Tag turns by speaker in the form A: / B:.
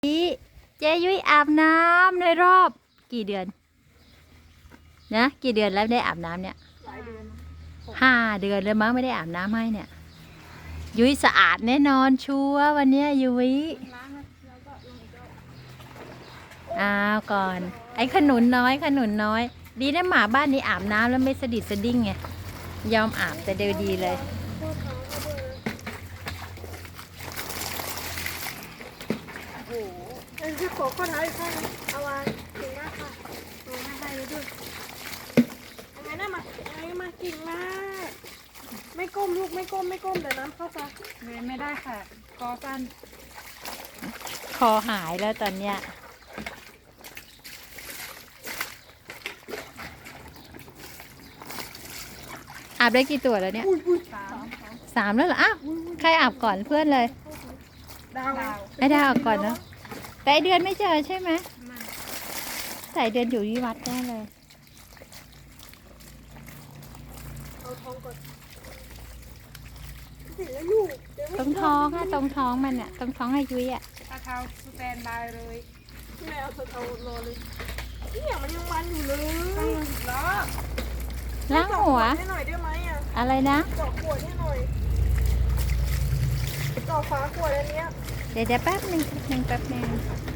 A: นี่เจยุ้ยอาบน้ำในรอบกี่เดือนนะกี่เดือนแล้วได้อาบน้ำเนี่ย5 เดือนแล้วมั้งไม่ได้อาบน้ำให้เนี่ยยุ้ยสะอาดแน่นอนชัวร์วันเนี้ยยุ้ยก่อนไอ้ขนุนน้อยดีนะหมาบ้านนี้อาบน้ำแล้วไม่สะดิดสะดิ้งไงยอมอาบแต่เดียวดีเลย
B: คือขอข้อเท้าอีกข้างเอาวางกิ่งหน้าค่ะให้เลยด้วยยังไงนะมากิ่งหน้าไม่ก้มลูกไม่ก้มเดี๋ยวน้ำเข้าตาไม่ได้ค่ะคอสั้น
A: คอหายแล้วตอนเนี้ยอาบได้กี่ตัวแล้วเนี่ย3แล้วเหรออ้าวใครอาบก่อนเพื่อนเลย
B: ดาว
A: ไอ้ดาวอาบก่อนเนาะแต่ไอเดือนไม่เจอใช่ไหมใส่เดือนอยู่ที่วัดแน่เลย
B: เอาท้องก่อนสิแล้วลูก
A: ตรงท้องอะตรงท้องมันอะตรงท้องอายุยอะ
B: เอาเท้าสแตนบายเลยแม่เอาเท้ารอเลยเนี่ยมันยังมันอยู่เลยล้อ
A: ล้างหัว
B: ให้หน่อยได้ไหมอ่ะ
A: อะไรนะ
B: เจาะขวดให้หน่อยเจาะฝาขวดอันเนี้ย
A: เดี๋ยวแป๊บนึง